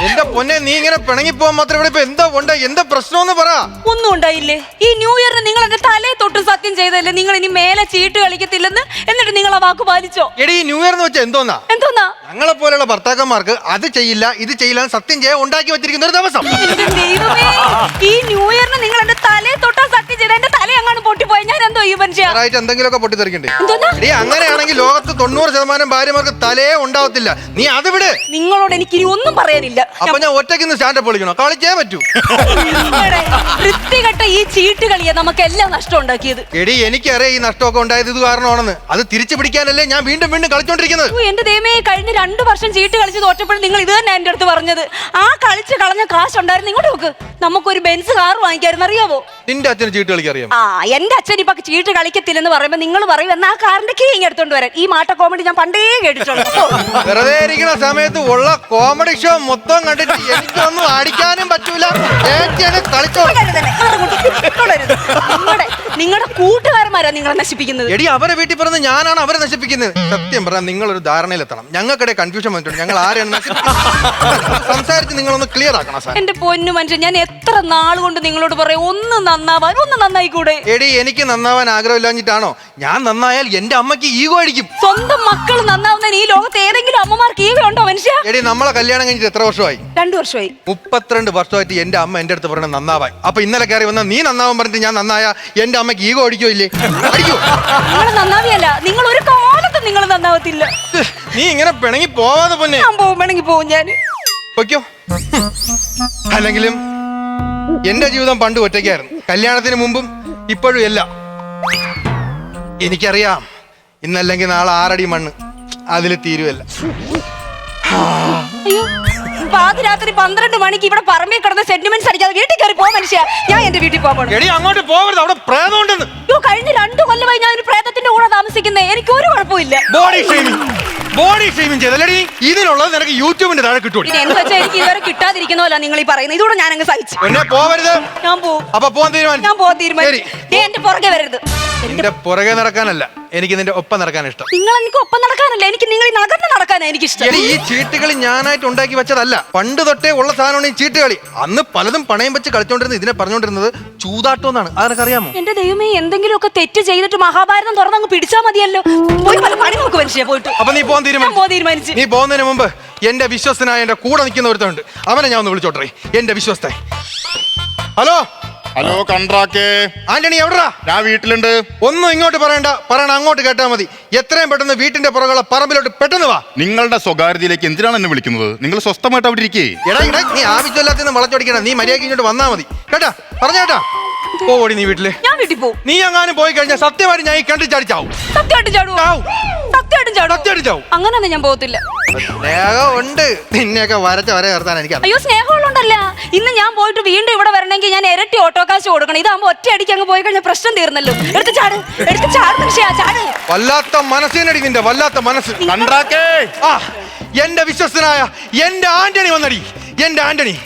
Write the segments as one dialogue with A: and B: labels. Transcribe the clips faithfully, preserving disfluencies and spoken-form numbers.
A: എന്റെ പൊന്നെ, നീ ഇങ്ങനെ പിണങ്ങി പോകാൻ മാത്രം ഇവിടെ ഇപ്പൊ എന്താ ഉണ്ടായി? എന്താ പ്രശ്നം പറ.
B: ഒന്നും ഉണ്ടായില്ലേ? ഈ ന്യൂ ഇയറിന് നിങ്ങൾ എന്റെ തലയെ തൊട്ട് സത്യം ചെയ്തല്ലേ നിങ്ങൾ ഇനി മേലെ ചീട്ട് കളിക്കത്തില്ലെന്ന്. എന്നിട്ട് നിങ്ങൾ ആ വാക്ക് പാലിച്ചോ?
A: എടി, ഈ ന്യൂ ഇയർ എന്ന് വെച്ചാൽ എന്തോന്നാ?
B: എന്തോന്നാ?
A: ഞങ്ങളെ പോലെയുള്ള ഭർത്താക്കന്മാർക്ക് അത് ചെയ്യില്ല ഇത് ചെയ്യില്ല സത്യം ചെയ്യാൻ ഉണ്ടാക്കി വെച്ചിരിക്കുന്ന ഒരു ദിവസം.
B: എന്റെ ദൈവമേ, ഈ ന്യൂ ഇയറിന് നിങ്ങൾ എന്റെ തലയെ തൊട്ടാ സത്യം ചെയ്ത എന്റെ തല അങ്ങാണ് പൊട്ടിപ്പോയി. ഞാൻ എന്തോ ഈ മനുഷ്യ
A: എന്തെങ്കിലുമൊക്കെ പൊട്ടിത്തെറിക്കണ്ടേ?
B: എന്തോന്നാ?
A: എടി, അങ്ങനെയാണെങ്കിൽ ലോകത്ത് തൊണ്ണൂറ് ശതമാനം ഭാര്യമാർക്ക് തലയെ ഉണ്ടാവത്തില്ല. നീ അത് വിട്.
B: നിങ്ങളോട് എനിക്ക് ഇനി ഒന്നും പറയാനില്ല.
A: അപ്പൊ ഞാൻ ഒറ്റയ്ക്ക് സ്റ്റാൻഡപ്പ് വിളിക്കണോ? കളിച്ചേ പറ്റൂ.
B: വൃത്തികെട്ട ഈ ചീട്ട് കളിയെ നമുക്ക് എല്ലാം നഷ്ടം ഉണ്ടാക്കിയത്.
A: എടി, എനിക്കറിയാം ഈ നഷ്ടമൊക്കെ ഉണ്ടായത് ഇത് കാരണമാണെന്ന്. അത് തിരിച്ചു പിടിക്കാനല്ലേ ഞാൻ വീണ്ടും വീണ്ടും കളിച്ചോണ്ടിരിക്കുന്നത്.
B: എന്റെ ദൈവമേ, കഴിഞ്ഞ രണ്ടു വർഷം ചീട്ട് കളിച്ച് തോറ്റപ്പോഴും നിങ്ങൾ ഇത് തന്നെ എന്റെ അടുത്ത് പറഞ്ഞത്. ആ കളിച്ച് കളഞ്ഞ കാശ് ഉണ്ടായിരുന്നു. ഇങ്ങോട്ട് നോക്ക്, നമുക്കൊരു ബെൻസ് കാർ വാങ്ങിക്കായിരുന്നു. അറിയാവോ?
A: നിന്റെ അച്ഛന് ചീട്ട് കളിക്കറിയാം?
B: ആ, എന്റെ അച്ഛൻ ഇപ്പൊ ചീട്ട് കളിക്കത്തില്ലെന്ന് പറയുമ്പോ നിങ്ങൾ പറയും എന്നാ ആ കാറിന്റെ കീ ഇങ്ങ് എടുത്തോണ്ട് വരാൻ. ഈ മാട്ട കോമഡി ഞാൻ പണ്ടേ കേട്ടിട്ടുണ്ട്.
A: വെറുതെ ഇരിക്കുന്ന സമയത്ത് ഉള്ള കോമഡി ഷോ മൊത്തം കണ്ടിട്ട് എനിക്കൊന്നും അടിക്കാനും പറ്റൂല.
B: നിങ്ങളുടെ നിങ്ങളുടെ കൂട്ടുകാരന്മാരാ നിങ്ങളെ നശിപ്പിക്കുന്നത്.
A: എടി, അവരെ വീട്ടിൽ പറഞ്ഞ് ഞാനാണ് അവരെ നശിപ്പിക്കുന്നത്. സത്യം പറഞ്ഞാൽ നിങ്ങളൊരു ധാരണയിലെത്തണം. ഞങ്ങൾക്കിടെ കൺഫ്യൂഷൻ വന്നിട്ടുണ്ട്. ഞങ്ങൾ ആരെയാണ് സംസാരിച്ച് നിങ്ങളൊന്ന് ക്ലിയർ ആക്കണം സാർ.
B: എന്റെ പൊന്നു മനുഷ്യൻ, ഞാൻ എത്ര നാൾ കൊണ്ട് നിങ്ങളോട് പറയും ഒന്ന് നന്നാവാൻ, ഒന്ന് നന്നായിക്കൂടെ?
A: എടി, എനിക്ക് നന്നാവാൻ ആഗ്രഹമില്ലാഞ്ഞിട്ടാണോ? ഞാൻ നന്നായാൽ എന്റെ അമ്മയ്ക്ക് ഈഗോ അടിക്കും.
B: സ്വന്തം മക്കൾ നന്നാവുന്നതിന് ഈ ലോകത്ത് ഏതെങ്കിലും അമ്മമാർക്ക് ഈഗോ ഉണ്ടോ മനുഷ്യ?
A: എടി, നമ്മളെ കല്യാണം കഴിഞ്ഞിട്ട് എത്ര വർഷമായി?
B: രണ്ടു വർഷമായി.
A: മുപ്പത്തിരണ്ട് വർഷമായിട്ട് എന്റെ അമ്മ എന്റെ അടുത്ത് പറഞ്ഞ നന്നാവാൻ. അപ്പൊ ഇന്നലെ കയറി വന്ന നീ നന്നാവാൻ പറഞ്ഞിട്ട് ഞാൻ നന്നായ എന്റെ അമ്മയ്ക്ക് ഈഗോ അടിക്കോ ഇല്ലേ? അടിക്കോ?
B: നിങ്ങൾ നന്നാവിയല്ല, നിങ്ങൾ ഒരു കാലത്ത് നിങ്ങൾ നന്നാവത്തില്ല.
A: നീ ഇങ്ങനെ പിണങ്ങി പോവാതെ പൊന്നെ.
B: ഞാൻ പോവും, വേണമെങ്കിൽ പോവും ഞാൻ.
A: ഓക്കോ? അല്ലെങ്കിലും എന്റെ ജീവിതം പണ്ട് ഒറ്റയ്ക്കായിരുന്നു. കല്യാണത്തിന് മുമ്പും ഇപ്പോഴും എല്ലാം. എനിക്കറിയാം, ഇന്നല്ലെങ്കിൽ നാളെ ആറടി മണ്ണ് അതിൽ തീരുവല്ല.
B: അയ്യോ, പാതിരാത്രി പന്ത്രണ്ട് മണിക്ക് ഇവിടെ പറമ്പിൽ കിടന്ന സെന്റിമെന്റ്സ് അടിക്കാതെ വീട്ടിൽ കയറി പോ മനുഷ്യ. ഞാൻ എന്റെ വീട്ടിൽ പോകണം.
A: എടി, അങ്ങോട്ട് പോകരുത്, അവിടെ പ്രേതമുണ്ടെന്ന്.
B: അയ്യോ, കഴിഞ്ഞ രണ്ടു കൊല്ലമായി ഞാൻ ഒരു പ്രേതത്തിന്റെ കൂടെ താമസിക്കുന്നേ. എനിക്ക് ഒരു കുഴപ്പമില്ല.
A: ബോഡി ഷെയ്മിങ് ബോഡി ഷെയ്മിങ് ചെയ്തല്ലേടി? ഇതിനുള്ളത് നിനക്ക് യൂട്യൂബിന്റെ താഴെ കിട്ടൂടി.
B: എന്ന് വെച്ചാൽ എനിക്ക് ഇതുവരെ കിട്ടാതിരിക്കുന്നല്ലോ നിങ്ങൾ ഈ പറയുന്നത്. ഇതോടെ ഞാൻ അങ്ങ് സഹിച്ചു.
A: എന്നെ പോവരുത്.
B: ഞാൻ പോവും.
A: അപ്പൊ പോവാൻ തീരുമാനിച്ചു?
B: ഞാൻ പോവാൻ തീരുമാനിച്ചു. എന്റെ പുറകെ വരരുത്.
A: എന്റെ പുറകെ നടക്കാനല്ല, എനിക്ക് നിന്റെ ഒപ്പം നടക്കാൻ ഇഷ്ടം.
B: നിങ്ങൾ എനിക്ക് ഒപ്പം നടക്കാനല്ല, എനിക്ക് നിങ്ങൾ നഗർന്ന് നടക്കാനാണ് എനിക്ക് ഇഷ്ടം.
A: ഈ ചീട്ടുകളി ഞാനായിട്ട് ഉണ്ടാക്കി വെച്ചതല്ല. പണ്ട് തൊട്ടേ ഉള്ള സാധനമാണ് ഈ ചീട്ടുകളി. അന്ന് പലതും പണയം വെച്ച് കളിച്ചോണ്ടിരുന്നത് ഇതിനെ പറഞ്ഞോണ്ടിരുന്നത് ചൂതാട്ടം എന്നാണ്. അതൊക്കെ അറിയാമോ?
B: എന്റെ ദൈവമേ, എന്തെങ്കിലുമൊക്കെ തെറ്റ് ചെയ്തിട്ട് മഹാഭാരതം തുറന്നങ്ങ് പിടിച്ചാൽ മതിയല്ലോ. പോയി പല പണി നോക്ക് മനുഷ്യ. പോയിട്ട്
A: അപ്പൊ നീ പോകാൻ തീരുമാനിച്ചു? നീ പോകുന്നതിന് മുമ്പ് എന്റെ വിശ്വസ്തനായ എന്റെ കൂടെ നിൽക്കുന്ന ഒരുത്തുണ്ട്, അവനെ ഞാൻ ഒന്ന് വിളിച്ചോട്ടെ. എന്റെ വിശ്വസ്തൻ. Hello
C: hello കൺട്രാക്കേ.
A: ആന്റണി എവിടാ?
C: ഞാൻ വീട്ടിലുണ്ട്.
A: ഒന്നും ഇങ്ങോട്ട് പറയണ്ട, പറയണ അങ്ങോട്ട് കേട്ടാ മതി. എത്രയും പെട്ടെന്ന് വീട്ടിന്റെ പുറകുള്ള പറമ്പിലോട്ട് പെട്ടെന്ന് വാ.
C: നിങ്ങളുടെ സ്വകാര്യതയിലേക്ക് എന്തിനാണ് എന്നെ വിളിക്കുന്നത്? നിങ്ങൾ സ്വസ്ഥമായിട്ട് അവിടെ ഇരിക്കേ.
A: എടാ എടാ, നീ ആവശ്യമില്ലാത്ത വളച്ചോടിക്കണ. നീ മര്യാദയ്ക്ക് ഇങ്ങോട്ട് വന്നാ മതി കേട്ടാ. പറഞ്ഞേട്ടാ, പോടി നീ വീട്ടില്.
B: ഞാൻ വീട്ടിൽ പോകും.
A: നീ അങ്ങാനും പോയി കഴിഞ്ഞാൽ സത്യമായിട്ട് ഞാൻ ഈ കണ്ടു ചാടിച്ചാവും.
B: സത്യമായിട്ടും ചാടുവോ? സത്യമായിട്ടും ചാടും.
A: സത്യമായിട്ട് ചാവും.
B: അങ്ങനൊന്നും ഞാൻ പോകത്തില്ല.
A: സ്നേഹം ഉണ്ട്. നിന്നെയൊക്കെ വരച്ച വര നിർത്താൻ എനിക്ക്.
B: അയ്യോ, സ്നേഹമുള്ളണ്ടല്ല. ഇന്ന് ഞാൻ പോയിട്ട് വീണ്ടും ഇവിടെ വരണമെങ്കിൽ ഞാൻ ഇരട്ടി ഓട്ടോ കാശ് കൊടുക്കണം. ഇതാകുമ്പോ ഒറ്റ അടിക്ക് അങ്ങ് പോയി കഴിഞ്ഞാൽ പ്രശ്നം തീർന്നല്ലോ. എടുത്ത് ചാട്, എടുത്ത് ചാട് മനുഷ്യ, ചാട്.
A: വല്ലാത്ത മനസ്സിനടി നിന്റെ, വല്ലാത്ത മനസ്സ്.
C: കൺട്രാക്കേ.
A: ആ, എന്റെ വിശ്വസ്തനായ എന്റെ ആന്റണി വന്നടി. എന്റെ ആന്റണി.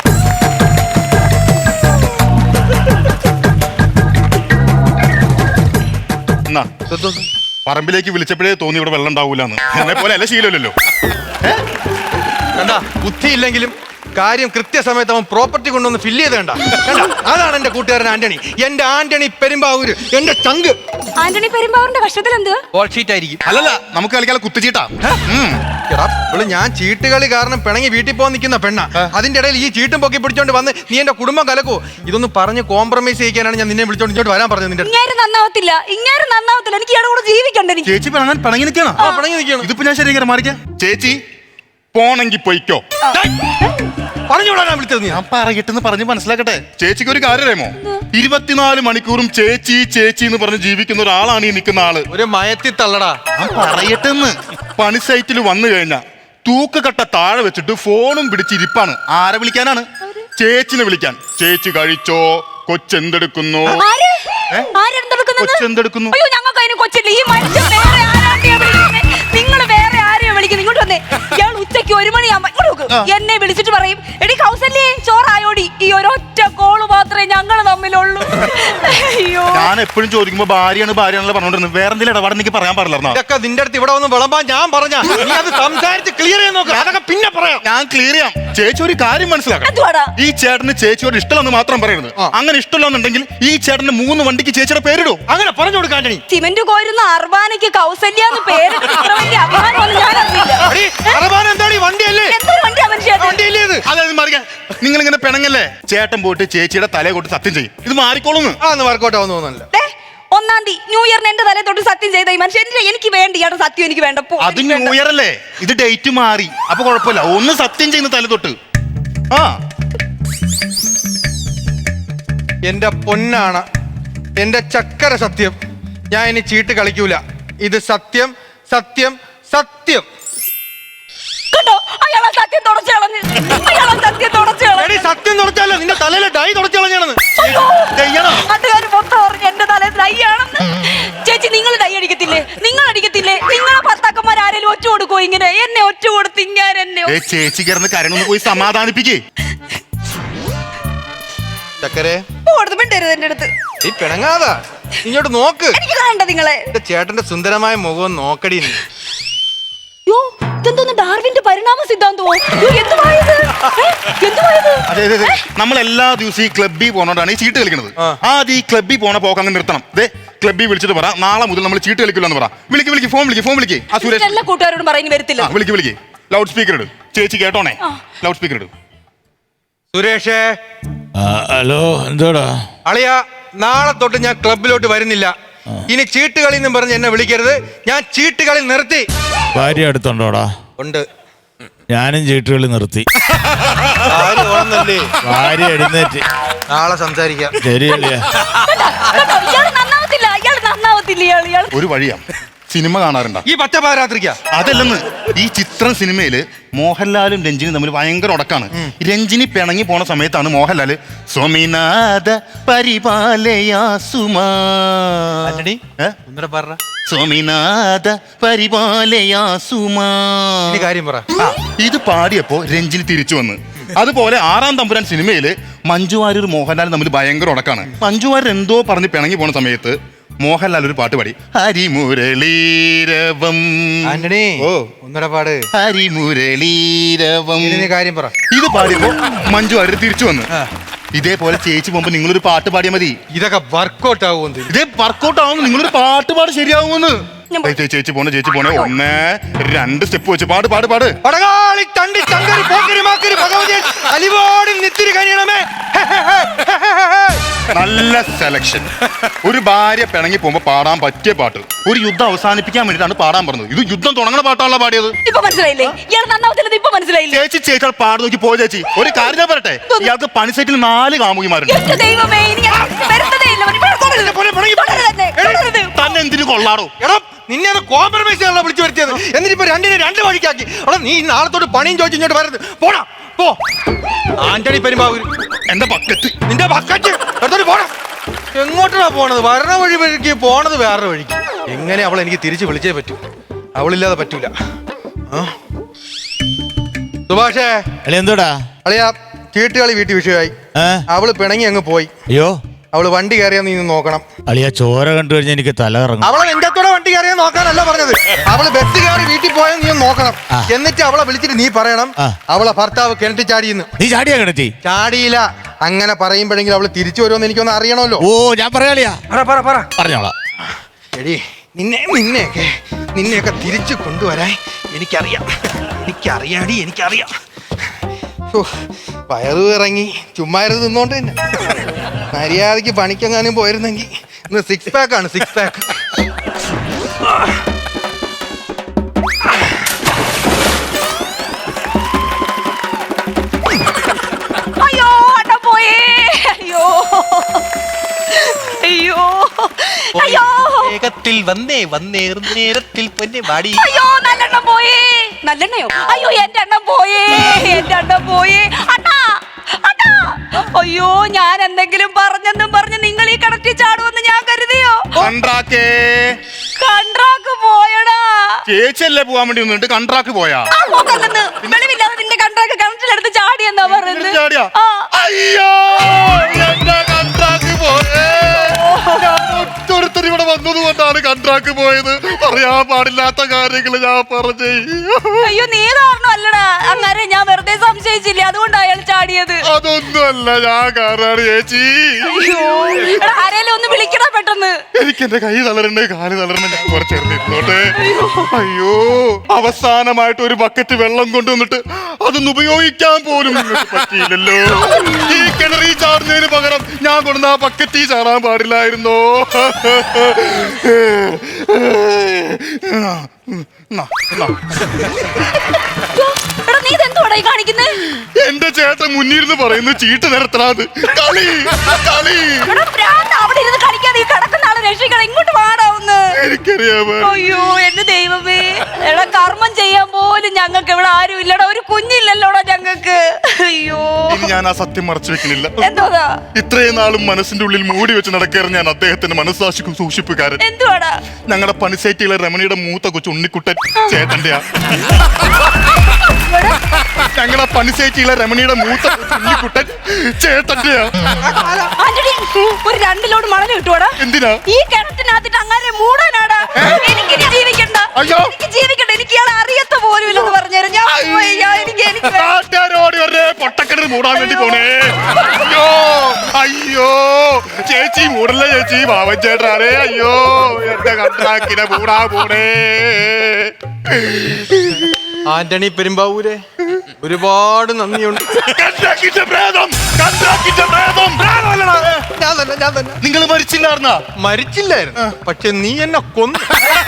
C: എന്നാ പറമ്പിലേക്ക് വിളിച്ചപ്പോഴേ തോന്നി ഇവിടെ വെള്ളം ഉണ്ടാവൂലെന്ന്. എന്നെ പോലെ അല്ല, ശീലമില്ലല്ലോ.
A: കണ്ടാ, ബുദ്ധിയില്ലെങ്കിലും കാര്യം കൃത്യസമയത്ത് അവൻ പ്രോപ്പർട്ടി കൊണ്ടുവന്ന് ഫില്ല് ചെയ്ത് കണ്ട കണ്ട. അതാണ് എന്റെ കൂട്ടുകാരൻ ആന്റണി. എന്റെ ആന്റണി പെരുമ്പാവൂര്, എന്റെ ചങ്ക്.
B: ആന്റണി പെരുമ്പാവൂരിന്റെ കഷ്ടത്തിൽ എന്ത്
A: ആയിരിക്കും?
C: അല്ലല്ല, നമുക്ക് കളിക്കാതെ കുത്തിച്ചീട്ടാ.
A: ഇവിടെ ഞാൻ ചീട്ടുകളി കാരണം പിണങ്ങി വീട്ടിൽ പോകാൻ നിൽക്കുന്ന പെണ്ണ. അതിന്റെ ഇടയിൽ ഈ ചീട്ടും പൊക്കി പിടിച്ചോണ്ട് വന്ന് നീ എന്റെ കുടുംബം കലക്കോ? ഇതൊന്ന് പറഞ്ഞ് കോംപ്രമൈസ് ചെയ്യിക്കാനാണ് ഞാൻ നിന്നെ വിളിച്ചോണ്ട് ഇങ്ങോട്ട് വരാൻ പറഞ്ഞത്. നിന്റെ
B: ഇങ്ങേര് നന്നാവത്തില്ല, ഇങ്ങേര് നന്നാവത്തില്ല. എനിക്ക് ഇയാളുടെ കൂടെ ജീവിക്കണ്ട. എനിക്ക്
C: ചേച്ചി പിണങ്ങാൻ പിണങ്ങി നിൽക്കണം.
A: പിണങ്ങി നിൽക്കണം.
C: ഇതിപ്പോ ഞാൻ ശരിയാക്കി മാറിക്കാം. ചേച്ചി പോണെങ്കി പൊയ്ക്കോ.
A: പറഞ്ഞോളാ ഞാൻ വിളിച്ചത്.
C: ഞാൻ പറയട്ടെന്ന് പറഞ്ഞ് മനസ്സിലാക്കട്ടെ. ചേച്ചിക്ക് ഒരു കാര്യം അറിയാമോ? ഇരുപത്തിനാല് മണിക്കൂറും ചേച്ചി ചേച്ചി എന്ന് പറഞ്ഞ് ജീവിക്കുന്ന ഒരാളാണ് ഈ നിൽക്കുന്ന ആള്.
A: ഒരു മയത്തി തള്ളടാ.
C: ഞാൻ പറയട്ടെന്ന്. പണി സൈറ്റിൽ വന്നു കഴിഞ്ഞാ തൂക്ക് കട്ട താഴെ വെച്ചിട്ട് ഫോണും പിടിച്ചിരിപ്പാണ്. ആരെ വിളിക്കാനാണ്? ചേച്ചിനെ വിളിക്കാൻ. ചേച്ചി കഴിച്ചോ? കൊച്ചെന്തെടുക്കുന്നു? കൊച്ചെന്തെടുക്കുന്നു?
B: ഞങ്ങൾക്ക് അതിന് കൊച്ചില്ല. ഈ മനുഷ്യൻ വേറെ ആരാണ്ടിയാ വിളിക്കുന്നത്? നിങ്ങൾ വേറെ ആരെയോ വിളിക്കുന്നത്? ഇങ്ങോട്ട് വന്നേ. ഇയാൾ ഉച്ചയ്ക്ക് ഒരു മണിയാകുമ്പോ എന്നെ വിളിച്ചിട്ട് പറയും, എടി കൗസല്യേ ചോറായോടി ഈ ഒരൊറ്റ കോള് മാത്രമേ ഞങ്ങൾ തമ്മിലുള്ളൂ. അയ്യോ
C: ഞാൻ എപ്പോഴും ചോദിക്കുമ്പോ ഭാര്യയാണ് ഭാര്യയാണല്ലോ പറഞ്ഞോണ്ടിരുന്നത്. വേറെ എന്തെങ്കിലും ഇടപാട് എനിക്ക് പറയാൻ പാടില്ലായിരുന്നോ?
A: ഇതൊക്കെ നിന്റെ അടുത്ത് ഇവിടെ ഒന്ന് വിളമ്പാൻ ഞാൻ പറഞ്ഞ നീ അത് സംസാരിച്ച് ക്ലിയർ ചെയ്യാൻ നോക്ക്. അതൊക്കെ പിന്നെ പറയാം.
C: ഞാൻ ക്ലിയർ ചെയ്യാം. ചേച്ചി ഒരു കാര്യം മനസ്സിലാക്കണം.
B: എന്തുവാടാ?
C: ഈ ചേട്ടന് ചേച്ചിയോട് ഇഷ്ടമെന്ന് മാത്രം പറയരുത്. അങ്ങനെ ഇഷ്ടമില്ലെന്നുണ്ടെങ്കിൽ ഈ ചേട്ടന് മൂന്ന് വണ്ടിക്ക് ചേച്ചിയുടെ പേരിടൂ.
A: അങ്ങനെ പറഞ്ഞു കൊടുക്കാൻ ആന്റണി.
B: സിമന്റ് കോരുന്ന അർബാനയ്ക്ക് കൗസല്യ എന്ന് പേരിട്ട് ഇത്ര വലിയ അഭിമാനമൊന്നും ഞാൻ അറിയില്ല.
A: എടീ, അറബാന എന്താണ് ഈ വണ്ടിയല്ലേ?
B: എന്തൊരു വണ്ടിയാ മനുഷ്യ?
A: വണ്ടിയല്ലേ ഇത്?
C: അതായത് മാറിക്കാൻ നിങ്ങൾ ഇങ്ങനെ പിണങ്ങല്ലേ. ചേട്ടൻ പോയിട്ട് ചേച്ചിയുടെ തലയെ കൊണ്ട് സത്യം ചെയ്യും. ഇത് മാറിക്കോളൂന്ന്.
A: ആ ഒന്ന് വർക്കൗട്ട് ആവുന്ന തോന്നുന്നില്ല.
B: ദേ, ഒന്നാം തീയതി ന്യൂ ഇയറിന് എന്റെ തലേ തൊട്ട് സത്യം ചെയ്ത ഈ മനുഷ്യൻ എന്റെ- എനിക്ക് വേണ്ട ഇയാളുടെ സത്യം എനിക്ക് വേണ്ട. പോ,
C: അത്
B: എനിക്ക് വേണ്ട.
C: ന്യൂ ഇയർ അല്ലേ? ഇത് ഡേറ്റ് മാറി. അപ്പൊ കുഴപ്പമില്ല. ഒന്ന് സത്യം ചെയ്യുന്ന തല തൊട്ട്. ആ
A: എന്റെ പൊന്നാണ്, എന്റെ ചക്കര സത്യം. ഞാൻ ഇനി ചീട്ട് കളിക്കൂല. ഇത് സത്യം, സത്യം, സത്യം.
B: കണ്ടോ, അയാളെ സത്യം തുടച്ചു കളഞ്ഞ്. അയാളെ സത്യം തുടച്ചു കളഞ്ഞ്.
A: എടീ, സത്യം തുടച്ചല്ല, നിന്റെ തലയിലെ ഡൈ തുടച്ചു കളഞ്ഞാണെന്ന്.
B: അയ്യോ,
C: ചെയ്യണം.
B: നാട്ടുകാർ മൊത്തം അറിഞ്ഞ് എന്റെ തലയിൽ ഡൈ ആണെന്ന്. ചേച്ചി, നിങ്ങൾ ഡൈ അടിക്കത്തില്ലേ? നിങ്ങൾ അടിക്കത്തില്ലേ? നിങ്ങളെ ഭർത്താക്കന്മാർ ആരെങ്കിലും ഒറ്റ കൊടുക്കോ? ഇങ്ങനെ എന്നെ ഒറ്റ കൊടുത്ത് ഇങ്ങനെ എന്നെ
C: ഏ, ചേച്ചി കിടന്ന് കരഞ്ഞൊന്ന് പോയി സമാധാനിപ്പിക്കേ.
A: ചക്കരെ
B: കൊടുത്ത് മിണ്ടരുത് എന്റെ അടുത്ത്.
A: ഈ പിണങ്ങാതാ, ഇങ്ങോട്ട് നോക്ക്.
B: എനിക്ക് കാണണ്ട നിങ്ങളെ.
A: എന്റെ ചേട്ടന്റെ സുന്ദരമായ മുഖം നോക്കടി നീ.
B: യോ, ഇതെന്തോന്ന് ഡാർവിന്റെ പരിണാമ സിദ്ധാന്തമോ? യോ, എന്തുവായത്? ഏ, എന്തുവായത്?
C: അതെ അതെ അതെ നമ്മൾ എല്ലാ ദിവസവും ഈ ക്ലബ്ബിൽ പോണോണ്ടാണ് ഈ ചീട്ട് കളിക്കുന്നത്.
A: ആ.
C: ആദ്യം ഈ ക്ലബ്ബിൽ പോണ പോക്ക് അങ്ങ് നിർത്തണം. ദേ ക്ലബ്ബിൽ വിളിച്ചിട്ട് പറ നാളെ മുതൽ നമ്മൾ ചീട്ട് കളിക്കില്ലെന്ന് പറ. വിളിക്ക് വിളിക്ക് ഫോൺ വിളിക്ക് ഫോൺ വിളിക്ക്. ആ സുരേഷ്
B: എല്ലാ കൂട്ടുകാരോടും പറയുന്നു വരത്തില്ല.
C: ആ, വിളിക്ക് വിളിക്ക്. ലൗഡ് സ്പീക്കർ ഇട്. ചേച്ചി കേട്ടോണേ. ലൗഡ് സ്പീക്കർ ഇട്.
A: സുരേഷേ,
D: ആ, ഹലോ എന്തോടാ?
A: അളിയ, നാളെ തൊട്ട് ഞാൻ ക്ലബിലോട്ട് വരുന്നില്ല. ഇനി ചീട്ട് കളി എന്നും പറഞ്ഞ് എന്നെ വിളിക്കരുത്. ഞാൻ ചീട്ട് കളി നിർത്തി.
D: ഭാര്യ അടുത്തുണ്ടോടാ?
A: ഉണ്ട്.
D: ഞാനും ചീട്ടുകളി നിർത്തി.
A: ആര് ഓണന്നല്ലേ?
D: ഭാര്യ എഴുന്നേറ്റ്.
A: നാളെ സംസാരിക്കാം.
D: ശരിയല്ലേ?
B: കേട്ടോ, ഇയാള് നന്നാവത്തില്ല. ഇയാള് നന്നാവത്തില്ല. ഇയാൾ ഇയാൾ
C: ഒരു വഴിയാ. സിനിമ കാണാറുണ്ടോ?
A: ഈ പച്ചപാരാത്രിക്ക
C: അതല്ലെന്ന്. ഈ ചിത്രം സിനിമയില് മോഹൻലാലും രഞ്ജിനും തമ്മിൽ ഭയങ്കര ഉടക്കാണ്. രഞ്ജിനി പിണങ്ങി പോണ സമയത്താണ് മോഹൻലാല് സ്വാമിനാഥ പരിപാലയാ സുമാ
A: ആന്റണി,
C: ഏ?
A: ഒന്നുകൂടെ പറ.
C: സ്വാമിനാഥ പരിപാലയാ സുമാ.
A: ഇനി കാര്യം പറ.
C: ആ, ഇത് പാടിയപ്പോ രഞ്ജിനി തിരിച്ചു വന്ന്. അതുപോലെ ആറാം തമ്പുരാൻ സിനിമയില് മഞ്ജു വാര്യർ മോഹൻലാലും തമ്മിൽ ഭയങ്കര ഉടക്കാണ്. മഞ്ജു വാര്യർ എന്തോ പറഞ്ഞ് പിണങ്ങി പോണ സമയത്ത് മോഹൻലാൽ ഒരു പാട്ട് പാടി. ഹരിമുരളീരവം.
A: ആന്റണി,
C: ഓ
A: ഒന്നുകൂടെ പാട്.
C: ഹരിമുരളീരവം.
A: ഇനി നീ കാര്യം പറ.
C: ഇത് പാടിയപ്പോ മഞ്ജു വാര്യർ തിരിച്ചു വന്ന്. ഇതേപോലെ ചേച്ചി പോകുമ്പോ നിങ്ങളൊരു പാട്ട് പാടിയാൽ മതി.
A: ഇതൊക്കെ വർക്കൗട്ട് ആവുമെന്ന്.
C: ഇതേ വർക്കൗട്ട് ആവുന്നു. നിങ്ങളൊരു പാട്ട് പാട് ശരിയാവുമെന്ന്.
B: ഞാൻ
C: ഏയ് ചേച്ചി ചേച്ചി പോണേ ചേച്ചി പോണേ. ഒന്ന് രണ്ട് സ്റ്റെപ്പ് വെച്ച് പാട് പാട് പാട്.
A: പടകാളി തണ്ടി തങ്കരി പോക്കരി മാക്കരി ഭഗവതിയൻ അലിവോടി നിത്തിരി കനിയണമേ.
C: നല്ല സെലക്ഷൻ. ഒരു ഭാര്യ പിണങ്ങി പോകുമ്പോ പാടാൻ പറ്റിയ പാട്ട്. ഒരു യുദ്ധം അവസാനിപ്പിക്കാൻ വേണ്ടിയിട്ടാണ് പാടാൻ പറഞ്ഞത്. ഇത് യുദ്ധം തുടങ്ങണ പാട്ടാണല്ലോ പാടിയത്.
B: ഇപ്പൊ മനസ്സിലായില്ലേ? ഇയാൾ നന്നാവത്തില്ലെന്ന് ഇപ്പൊ മനസ്സിലായില്ലേ?
C: ചേച്ചി ചേച്ചാൽ പാട് നോക്കി പോ ചേച്ചി. ഒരു കാര്യം ഞാൻ പറയട്ടെ, ഇയാൾക്ക് പണി സൈറ്റിൽ നാല് കാമുകിമാരുണ്ട്.
B: എന്റെ ദൈവമേ, ഇനി ഞാൻ വരുത്തതേ ഇല്ല. ഇവിടെ തുടരുത്. തുടരുത് തന്നെ. തുടരുത്.
C: തന്നെ എന്തിനു കൊള്ളാടോ?
A: എടാ, നിന്നെ അത് കോംപ്രമൈസ് ചെയ്യാനുള്ള വിളിച്ചു വരുത്തിയത്. എന്നിട്ട് ഇപ്പൊ രണ്ടിനെ രണ്ട് വഴിക്കാക്കി. എടാ, നീ നാളെ തൊട്ട് പണിയും ചോദിച്ചു ഇങ്ങോട്ട് വരരുത്. പോടാ പോ. ആന്റണി പെരുമ്പാവൂർ
C: എന്റെ ബക്കറ്റ്.
A: നിന്റെ ബക്കറ്റ് എടുത്തോട്ട് പോടാ. എങ്ങോട്ടാ പോണത്? വരണ വഴി വഴിക്ക് പോണത് വേറൊരു വഴിക്ക്. എങ്ങനെ അവൾ എനിക്ക് തിരിച്ച് വിളിച്ചേ പറ്റൂ. അവളില്ലാതെ പറ്റൂല. ആ? സുഭാഷേ,
D: അല്ല എന്തോടാ?
A: അളിയാ, ചീട്ടുകളി വീട്ടിൽ വിഷയമായി.
D: ഏ?
A: അവള് പിണങ്ങി അങ്ങ് പോയി.
D: അയ്യോ,
A: അവള് വണ്ടി കയറിയാ നീ ഒന്ന് നോക്കണം.
D: അളിയ ചോര കണ്ടു കഴിഞ്ഞാൽ എനിക്ക് തല ഇറങ്ങും.
A: അവളെ നെഞ്ചത്തോടെ വണ്ടി കയറിയാ നോക്കാനല്ല പറഞ്ഞത്. അവള് ബസ് കയറി വീട്ടിൽ പോയാൽ നീ ഒന്ന് നോക്കണം.
D: ആ.
A: എന്നിട്ട് അവളെ വിളിച്ചിട്ട് നീ പറയണം
D: ആ.
A: അവളെ ഭർത്താവ് കിണറ്റി ചാടിയെന്ന്.
D: നീ ചാടിയാ കിണറ്റി?
A: ചാടിയില്ല. അങ്ങനെ പറയുമ്പോഴെങ്കിലും അവള് തിരിച്ചു വരുമെന്ന് എനിക്കൊന്ന് അറിയണമല്ലോ.
D: ഓ, ഞാൻ പറയാളിയാ.
A: പറ പറ പറ
D: പറഞ്ഞോളാം.
A: എടി, നിന്നെ നിന്നെയൊക്കെ നിന്നെയൊക്കെ തിരിച്ചു കൊണ്ടുവരാൻ എനിക്കറിയാം. എനിക്കറിയാടി, എനിക്കറിയാം. ഓ, വയറു ഇറങ്ങി ചുമ്മാരുത് തിന്നോണ്ട് തന്നെ. മര്യാദക്ക് പണിക്കെങ്ങാനും പോയിരുന്നെങ്കിൽ ഇന്ന് സിക്സ് പാക്ക് ആണ്. Six pack.
B: അയ്യോ, അണ്ണ പോയേ. അയ്യോ അയ്യോ അയ്യോ
E: വേഗത്തിൽ വന്നേ വന്നേർ നേരത്തിൽ പൊന്നെ വാടി.
B: അയ്യോ, നല്ലെണ്ണം പോയേ. നല്ലെണ്ണയോ? അയ്യോ, എന്റെ എണ്ണം പോയേ. എന്റെ എണ്ണം പോയേ. അണ്ണാ, അണ്ണാ. അയ്യോ, ഞാൻ എന്തെങ്കിലും പറഞ്ഞെന്നും പറഞ്ഞ് നിങ്ങൾ ഈ കിണറ്റി ചാടുമെന്ന് ഞാൻ കരുതിയോ?
C: കൺട്രാക്കേ.
B: കൺട്രാക്ക് പോയടാ.
C: ചേച്ചിയല്ലേ പോവാൻ വേണ്ടി വന്നിട്ട് കൺട്രാക്ക് പോയാ?
B: അങ്ങോട്ടല്ലെന്ന് വെളിവില്ലാതെ നിന്റെ കൺട്രാക്ക് കിണറ്റിലെടുത്ത് ചാടിയെന്നാ പറയുന്നത്.
C: ചാടിയാ?
B: ആ.
C: കൺട്രാക്ട് പോയത്. പറയാൻ പാടില്ലാത്ത കാര്യങ്ങൾ ഞാൻ പറഞ്ഞു.
B: അയ്യോ നീ കാരണം അല്ലടാ അങ്ങനെ ഞാൻ വെറുതെ സംശയിച്ചില്ലേ അതുകൊണ്ട് അയാൾ ചാടിയത്.
C: അതൊന്നുമല്ല ഞാൻ കാരണമാണ് ചേച്ചി.
B: അയ്യോ എടാ, ആരേലും ഒന്ന് വിളിക്കടാ പെട്ടെന്ന്.
C: എനിക്ക് എന്റെ കൈ തളരണ്ട്, കാല് തളരണ്ട്. ഞാൻ കുറച്ചെറിഞ്ഞിരുന്നോട്ടെ. അയ്യോ അവസാനമായിട്ട് ഒരു ബക്കറ്റ് വെള്ളം കൊണ്ടുവന്നിട്ട് അതൊന്ന് ഉപയോഗിക്കാൻ പോലും നിങ്ങൾക്ക് പറ്റിയില്ലല്ലോ. ഈ കിണറി ചാടുന്നതിന് പകരം ഞാൻ കൊണ്ടുവന്ന ആ ബക്കറ്റ് ചാടാൻ പാടില്ലായിരുന്നോ?
B: എടാ നീ ഇതെന്തുവാടാ ഈ കാണിക്കുന്നേ?
C: എന്റെ ചേട്ടൻ മുന്നിരുന്ന് പറയുന്നു ചീട്ട് നിരത്തണത് കളി കളി.
B: എടാ ഭ്രാന്ത്, അവിടെ ഇരുന്ന് കളിക്കാതെ ഈ കിടക്കുന്ന ആളെ രക്ഷിക്കണം. ഇങ്ങോട്ട് വാടാവുന്ന്.
C: എനിക്കറിയാമോ.
B: അയ്യോ എന്റെ ദൈവമേ, എടാ കർമ്മം ചെയ്യാൻ പോലും ഞങ്ങൾക്ക് ഇവിടെ ആരും ഇല്ലടാ. ഒരു കുഞ്ഞില്ലല്ലോടാ ഞങ്ങൾക്ക്. അയ്യോ
C: ഇനി ഞാൻ ആ സത്യം മറച്ചു വെക്കുന്നില്ല.
B: എന്തോടാ?
C: ഇത്രയും നാളും മനസ്സിന്റെ ഉള്ളിൽ മൂടി വെച്ച് നടക്കാറ് ഞാൻ അദ്ദേഹത്തിന്റെ മനസ്സാക്ഷിക്കും സൂക്ഷിപ്പുകാരൻ.
B: എന്തുവാടാ?
C: ഞങ്ങളുടെ പണിസൈറ്റിലെ രമണിയുടെ മൂത്ത കൊച്ചു ഉണ്ണിക്കുട്ടൻ ചേട്ടന്റെയാ. ഞങ്ങളുടെ പണിസൈറ്റിലെ രമണിയുടെ മൂത്ത കൊച്ചു ഉണ്ണിക്കുട്ടൻ ചേട്ടന്റെയാ.
B: ആന്റണി, ഒരു രണ്ട് ലോഡ് മണല് കിട്ടുവാടാ.
C: എന്തിനാ?
B: ഈ കിണറ്റിനകത്തിട്ട് അങ്ങനെ മൂടാനാടാ. എനിക്കിനി ജീവിക്കണ്ട.
C: അയ്യോ.
B: എനിക്ക് ജീവിക്കണ്ട. എനിക്ക് ഇയാളെ അറിയത്ത പോലും ഇല്ലെന്ന് പറഞ്ഞേരം ഞാൻ പോയി. ഞാൻ എനിക്ക് എനിക്ക്
C: നാട്ടുകാരോട് വരെ പൊട്ടക്കിണർ മൂടാൻ വേണ്ടി പോണേ. അയ്യോ അയ്യോ ചേച്ചി മൂടല്ലേ ചേച്ചി, ബാബൻ ചേട്ടനാണേ. അയ്യോ എന്റെ കണ്ടാക്കിനെ മൂടാ പോണേ.
A: ആന്റണി പെരുമ്പാവൂരെ ഒരുപാട് നന്ദിയുണ്ട്.
C: കണ്ടാക്കിന്റെ പ്രേതം, കണ്ടാക്കിന്റെ പ്രേതം.
A: ഞാൻ തന്നെ ഞാൻ തന്നെ
C: നിങ്ങൾ മരിച്ചില്ലായിരുന്ന?
A: മരിച്ചില്ലായിരുന്നു, പക്ഷെ നീ എന്നെ കൊന്നു.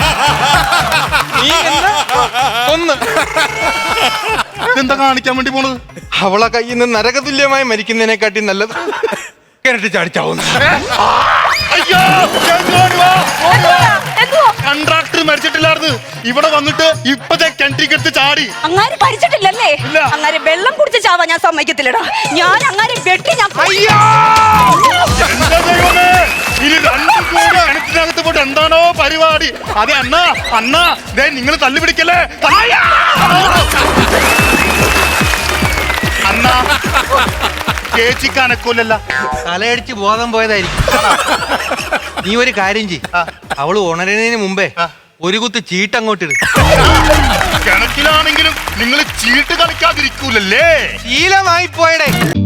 A: നീ എന്നെ കൊന്ന്.
C: എന്താ കാണിക്കാൻ വേണ്ടി പോണത്?
A: അവളെ കയ്യിൽ നിന്ന് നരകതുല്യമായി മരിക്കുന്നതിനെക്കാട്ടി നല്ലത് കിണറ്റ് ചാടിച്ചാവുന്നു.
C: അയ്യോ ചേച്ചി വാ.
B: എന്തുവാടാ? എന്തുവാ?
C: കൺട്രാക്ടർ മരിച്ചിട്ടില്ലായിരുന്നു, ഇവിടെ വന്നിട്ട് ഇപ്പത്തെ കിണറ്റിക്കെടുത്ത് ചാടി.
B: അങ്ങാര് മരിച്ചിട്ടില്ലല്ലേ?
C: ഇല്ല.
B: അങ്ങാര് വെള്ളം കുടിച്ച് ചാവാ ഞാൻ സമ്മതിക്കത്തില്ലടാ. ഞാൻ അങ്ങാരെ വെട്ടി ഞാൻ
C: എന്റെ ദൈവമേ, ഇനി രണ്ടു കൂടി കിണറ്റിനകത്ത് പോയിട്ട് എന്താണോ പരിപാടി? അതെ അണ്ണാ അണ്ണാ ദേ നിങ്ങൾ തല്ലി പിടിക്കല്ലേ അണ്ണാ. ചേച്ചിക്ക് അനക്കൂലല്ല,
A: തലയടിച്ച് ബോധം പോയതായിരിക്കും. നീ ഒരു കാര്യം ചെയ്, അവള് ഉണരുന്നതിന് മുമ്പേ ഒരു കുത്ത് ചീട്ടങ്ങോട്ടിട്.
C: കിണറ്റിലാണെങ്കിലും നിങ്ങൾ ചീട്ട് കളിക്കാതിരിക്കൂലല്ലേ?
A: ശീലമായി പോയടേ.